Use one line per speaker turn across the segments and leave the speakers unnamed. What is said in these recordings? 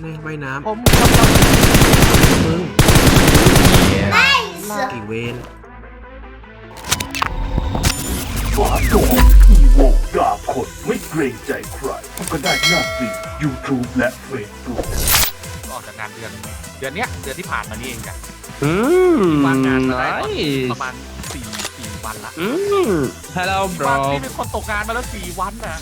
นี่ว่ายน้ำ
ผมกำลัง
มึง
Nice
กี่เวน
ฝาโดอีโวดาบคนไม่เกรงใจใครก็ได้หน้าที่ YouTube และ Facebook
ออกจากงานเดือนเนี้ยเดือนที่ผ่านมานี่เองจ้ะ
Mm,
ว่างงานมาได้ตอนประ
nice.
มาณ4 วันละ
Hello,
วัน
bro.
นี่เป็นคนตกงานมาแล้ว4 วันน่ะ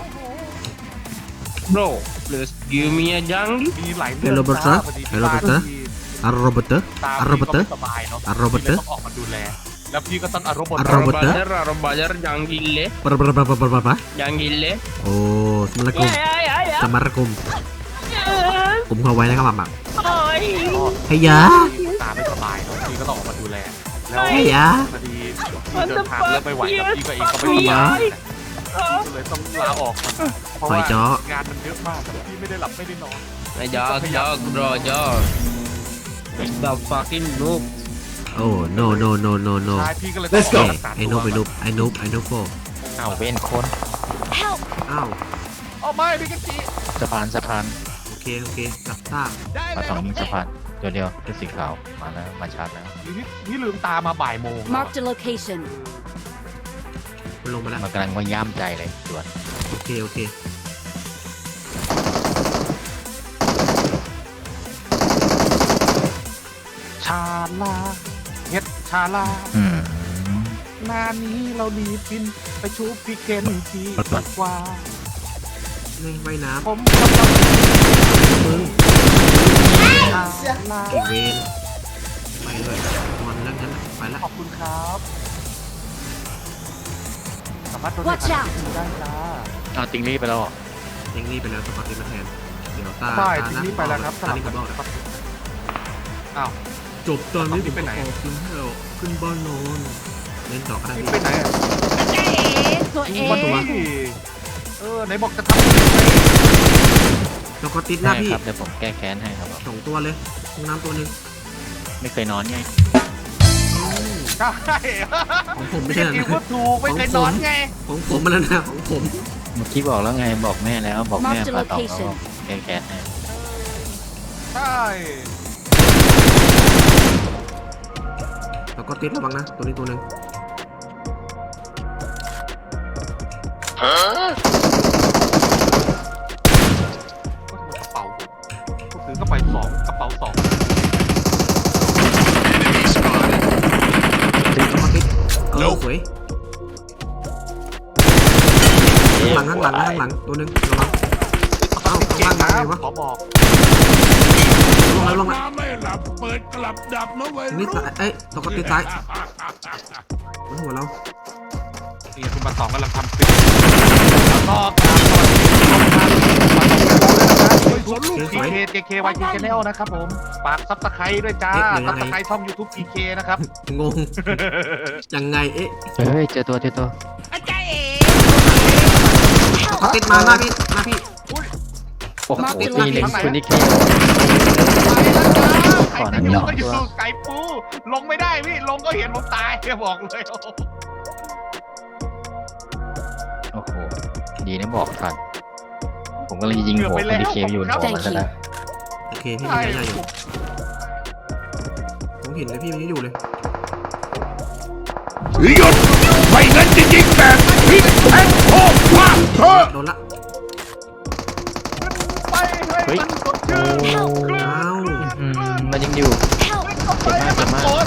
Bro, please give me a jungle.
มีหลายเรื่
เฮลโลเบอร์เตอร์
พอดี
เฮลโลเบอร์เตอร์อารโรเบอร์เตอร์
ตา
อารโรเบอร์เตอร์
พี่ก็ไม่สบายเนาะ
อารโรเบอร์เตอร์
พี่ลยต้องออกมาดูแล แล้วพี่ก็ต้องอารมณ์
อารมณ์
Robajar, jungle,
ปะปะปะปะปะปะปะ
jungle.
โอ้สมาร์กุมสมาร์กุมกลุ่มเข้าไว้นะครับหมักเฮียะ
ตาไม่สบายเนาะพี่ก็ต้องออกมาดูแล แล้ว
เฮียะ
พอดีพี่เดินทางเริ่มไม่ไหวแล้วพี่ก็เองก็ไม่สบายก็เลยต้องลาออกมาเพราะ
หอย
ว่า
จ้อ
งานมันเยอะมากแต่พี่ไม่ได้หลับไม่ได้นอน
Jog, bro, jog. The fucking noob.
โอ้ no no no no no
ใช่พี่ก็เลยต้องออกมารักษา
ไอ้นุ
ตั
บ
ว
ไอ้นุบไอ้นุบไอ้นุบโฟ
เอาเว้นคน
Help
อ้าว
เอาไม่พี่กันจี
สะพานสะพาน
โอเคโอเครับทราบ
ได้เล
มาย ตรงนี้สะพานตัวเดียวเป็นสีขาวมาแล้วมาชาร์จแล้ว
หรือพี่ลืมตามาบ่ายโมง
Marked a location
มันลงมาแล้ว
มันกำลังว่าย่ำใจเลยส่วน
โอเคโอเค
ชาลาเฮ็ดชาลา
อืม
หน้านี้เราดีบินไปชูพี่เคนทีดีกว่า
นี่ว่ายน้
ผมกำลัง
ำมึง
ชาลา
กี่เวนไปเลยมันแล้วงั้นไปละ
ขอบคุณครับสามารถโดน
Watch out
ได้จ้า
เอาติงลี่ไปแล้วเหรอ
เองนี่ไปแล้วสปอร์ตมาแทนเดี๋ยวตา
ใช่
ตา
ที
หน้า
นี้ไปแล้วครับส
ตา
ลับ
นี่
กั
ก็
น
บอก
ครับอ้าว
จบตอนนี้
นี่ไปไหน
ออกกินให้เราขึ้นบ้านนอนเล่นต่อก็ได้
นี่
พี่
ไปไหนอะ
ตัวเอ
มาตัว
ง
ไหนบอกจะท
แล้วก็ติดหน้า
ใช่
พี่
ครับเดี๋ยวผมแก้แค้นให้ครับ
2 ตัวเลยห้องน้ำตัวหนึ่ง
ไม่เคยนอนไง
ำใช่
ของผมไม่
พี่
ใช่
กิ
นะ
วก็ถูกไม่เคยนอนไง
ของผมมาแล้วนะของผม
เมื่อกี้บอกแล้วไงบอกแม่แล้วบอกแม่
Marked a
พาต่อ
location
แก้แค้นให้
ใช่
แล้วก็ติดระวังนะตัวนี้ตัวหนึ่ง
กระเป๋าก็ถือกระเป๋า2กระเป๋า2
แล้วก็ติดสวยข้างหลังตัวหนึ่งระวังเอ้า
เก่
ข้าง
ง
ล่าง
นะ
ไงวะ
ขอบอก
ลงแล้ว
ไม่หลับเปิดกลับดับนะเว้ย
นี่ซ้ายเอ้ยแล้วก็ติดซ้ายบนหัวเรา
นี่คุณมา2กำลังทำคลิปก็ตามสวัสดีครับ PKYG Channel นะครับผมฝากซับสไครต์ด้วยจ้าซับสไครต์ช่อง YouTube PK นะครับ
งงยังไงเอ๊ะ
เฮ้ยเจอตัว
แล้วก็ติดมาหน้าพี่
โอ้โห
Mark the
นี่เล็ง
location
คุณนิกกี้
ไปแล้วจ้าใครจะอยู่ก็อยู่ไก่ปูลงไม่ได้พี่ลงก็เห็นผมตายบอกเลย
โอ้โหดีนะบอกทันผมก็เลยยิงหัวคุณนิกกี้อยู่หัวมันซะแล้ว
โอเคพี่
ใช่
ยังอยู่ผมเห็นเลยพี่มันยังอยู่เลย
หยุดไม่งั้นจะยิงแบบพลิกแพงโคตรพลาดเธอ
โดนละ
ไปให้มันสดชื่น
อ้าว
มันยังอยู่
Help
ไปให้มันสด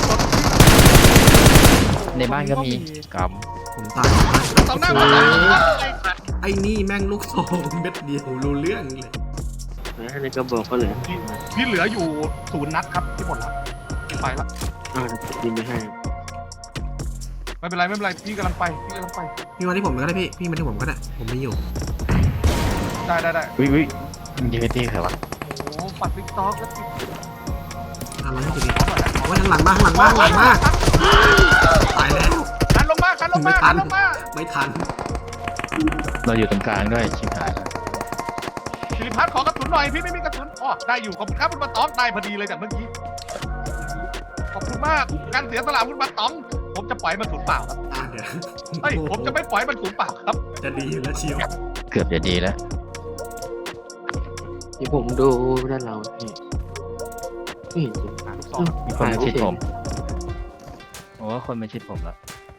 ในบ้านก็มีก
ผมตาย
ตอนหน้ามัน
ไอ้นี่แม่งลูกซองเม็ดเดียวรู้เรื่องเลย
Ini ke bawah kali ya?
พี่เหลืออยู่0 นัดครับที่หมดแล้วไปละ
Di behind.
ไม่เป็นไรพี่กำลังไป
พี่มาที่ผมก็ได้พี่มาที่ผมก็ได้ผมมีอยู่
ได้
ำวิยิงไปที่ใครวะ
โอ้ปัดติ๊กต็อกแล้วติด
อะไรให้กูดีโอ้ยหลังมาตายแล้ว
คันลงมา
ไม่ทัน
เราอยู่ตรงกลางด้วยชิบหายแล้ว
สิริพัฒน์ขอกระสุนหน่อยพี่ไม่มีกระสุนอ๋อได้อยู่ขอบคุณครับคุณมาตองได้พอดีเลยจากเมื่อกี้ขอบคุณมากการเสียสละคุณมาตองผมจะปล่อยมันสูญเปล่าครับ
เดี๋ยว
เฮ้ยผมจะไม่ปล่อยมันสูญเปล่าครับ
จะดีอยู่แล้วเชียว
เกือบจะดีแล้ว
ที่ผมดูด้านเราพี่ไม่เห็นจริง
ลูกซอง
มีคนมาชิดผมผมว่าคนมาชิดผมแล้ว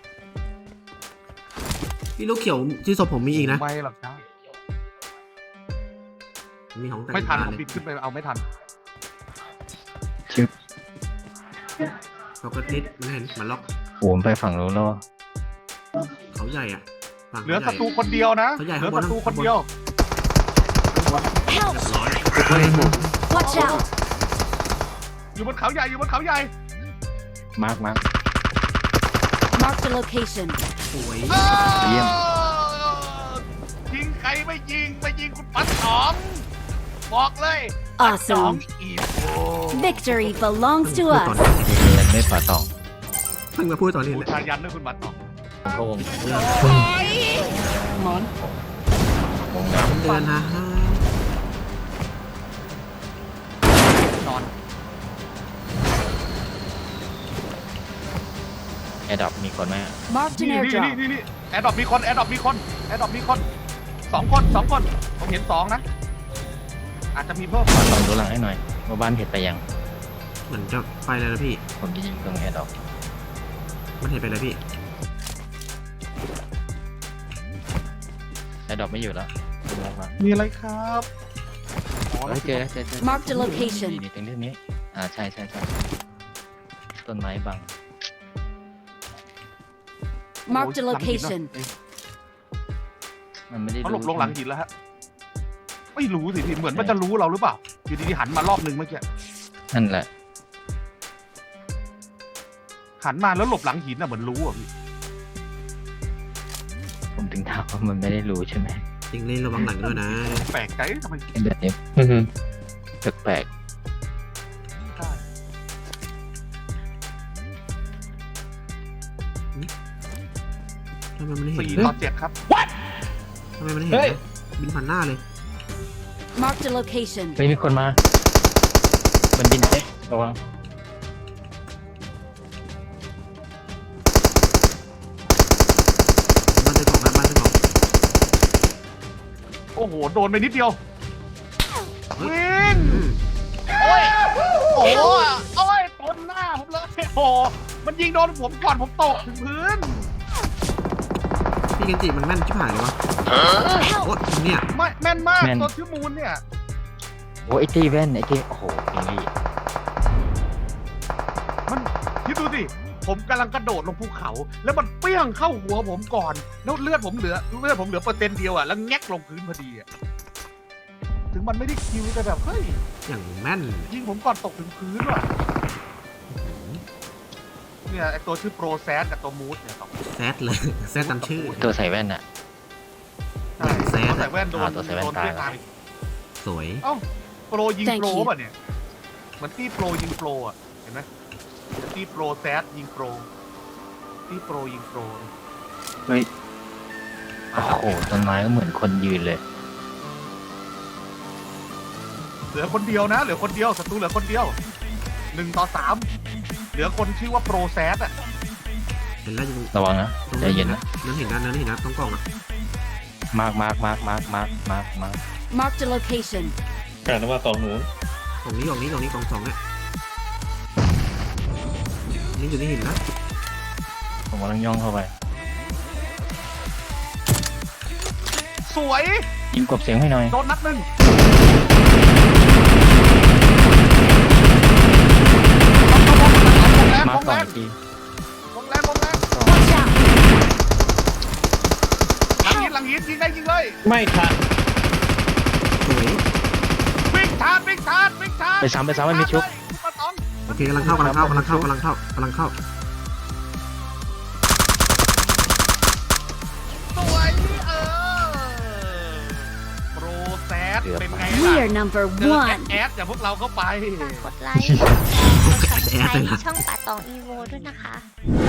พี่ลูกเขียวที่ศพผมมีอีกนะ
ไม่หรอกจ้า
มีของแต่ง
ไม่ทัน
บ้า
ผม
เลย
บินขึ้นไปเอาไม่ทัน
เขาก็นิดมันเห็นมันล็อก
ผมไปฝั่งนู้นแล้ว
เขาใหญ่อ่ะฝั่ง
เหลือ
เขา
ศั
ให
ตรู
ญ่
คนเดียวนะ
เขาใหญ่
เหลือ
ข้างบน
ศัตรู
นะ
คนเดียว
Help!
ร้อย
Watch out!
อยู่บนเขาใหญ่อยู่บนเขาใหญ่
มาร์ก
Mark the location.
สวย
เยี่ยม
ยิงใครไม่ยิงคุณปัดสองบอกเลยปัดสอง
Awesome.
อีโ
Victory belongs to
พูดตอน
us.
นี้
เดินไม่ป่าตอง
เพิ่งมาพูดตอนนี้
บู
เลย
ชายันด้วยคุณปัดสอง
พง
หมอน
วงน้
เดือนนะ
นอน
ำแอร์ดับมีคนไหม
Marked
นี่
an
นี่
airdrop.
นี่แอร์ดรอปมีคนสองคนผมเห็นสองนะอาจจะมีเพิ่ม
ขอลองดูหลังให้หน่อยว่าบ้านเห็นไปยัง
เหมือนจะไปเลยนะพี่
ผมจะยิงตรงแอร์ดับ
มันเห็นไปเลยพี่
แอร์ดับไม่อยู่แล้วลงมา
มีอะไรครับอ๋อ
เฮ้ยเจอ
Marked a location.
นี่ตรงนี้ใช่ต้นไม้บัง
Marked a location.
มันไม่ได้
เขาหลบลงหลังหินแล้วฮะไม่รู้สิพี่เหมือนมันจะรู้เราหรือเปล่าอยู่ดีๆหันมารอบนึงเมื่อกี้
นั่นแหละ
หันมาแล้วหลบหลังหินอ่ะเหมือนรู้อ่ะพี่
ผมถึงถามว่ามันไม่ได้รู้ใช่ไหม
จริงเล่นระวังหลังด้วยนะ
แปลกใจทำไม
แบบนี้แปลก
ได้
ทำไมมันไม่เห็น
4-7 ครับ
ทำไมมันไม่เห็นนะบินผ่านหน้าเลย
Marked a location.
ๆเฮ้ยมีคนมาบนดินเอ๊ะระวัง
บ้านเจ้าของนะบ้านเจ้าของ
โอ้โหโดนไปนิดเดียว
เฮ้ย
วิ่ง
อืม
โอ้ยโอ้ยตนหน้าผมเลยโอ้โหมันยิงโดนผมก่อนผมตกถึงพื้น
พี่เกันจิมันแม่นชิบหายเลยวะ
Help!
โอ๊ยเนี่ย
ไม่แม่นมากตัวชื่อมูลเนี่ย
โอ้ไอตี้แว่นไอตี้โอ้โหอย่างนี้
มันคิดดูสิผมกำลังกระโดดลงภูเขา แล้วมันเปี้ยงเข้าหัวผมก่อนแล้วเลือดผมเหลือเปอร์เซ็นต์เดียวอ่ะแล้วแงกลงพื้นพอดีอ่ะถึงมันไม่ได้คิวแต่แบบเฮ้ย
อย่างแม่น
ยิงผมก่อนตกถึงพื้นว่ะเนี่ยไอตัวชื่อโปรแซดกับตัวมูดเนี่ยสอง
แซดเลย แซดตามชื่อ
ตัวใส่แว่นอะ
ใช่
แซดอะ
ตัวใส่แว่นโดน
ตัวใส่แว่น
โดน
ตาย
เวียดนาม
สวย
เอ้าโปรยิง
Thank
โปร
you
ป่ะเนี่ยเหมือนที่โปรยิงโปรอ่ะเห็นไหมที่โปรแซดยิงโปรที่โปรยิงโปร
เฮ้ยโอ้โหต้นไม้ก็เหมือนคนยืนเลย
เหลือคนเดียวนะเหลือคนเดียวศัตรูเหลือคนเดียว1-3เหลือคนชื่อว่าโปรแซดอ่ะ
เห็นแล้วอยู่
ระวังนะ
ตรง
ใจเย็นนะ
นั่นเห็นนะนั่นเห็นนะต้องกล้องอ่ะ
มาร์ก
Marked a location.
กล่องนี้กล่องสองเนี่ยนี่อยู่ที่หินนะ
ผมกำลังย่องเข้าไป
สวย
ยิงกบเสียงให้หน่อย
โดนนัดหนึ่งม
มา
อ
ร์
ง
ก
แร
ก่อน
ง
อีกที
มองแรง
Watch out!
หลังหินยิงได้ยิงเลย
ไม่ทัน
สวย
วิ่งชาร์จ
ไปซ้ำไม่มีชุบ
คุณปะตอง
โอเคกำลังเข้าสวย
โปรแซดเป็นไง
We
ล่ะ
are number
เจอ
one.
แอดอย่าพวกเราเข้าไป
กดไลค์กด subscribe ช่องป่าตองอีโวด้วยนะคะ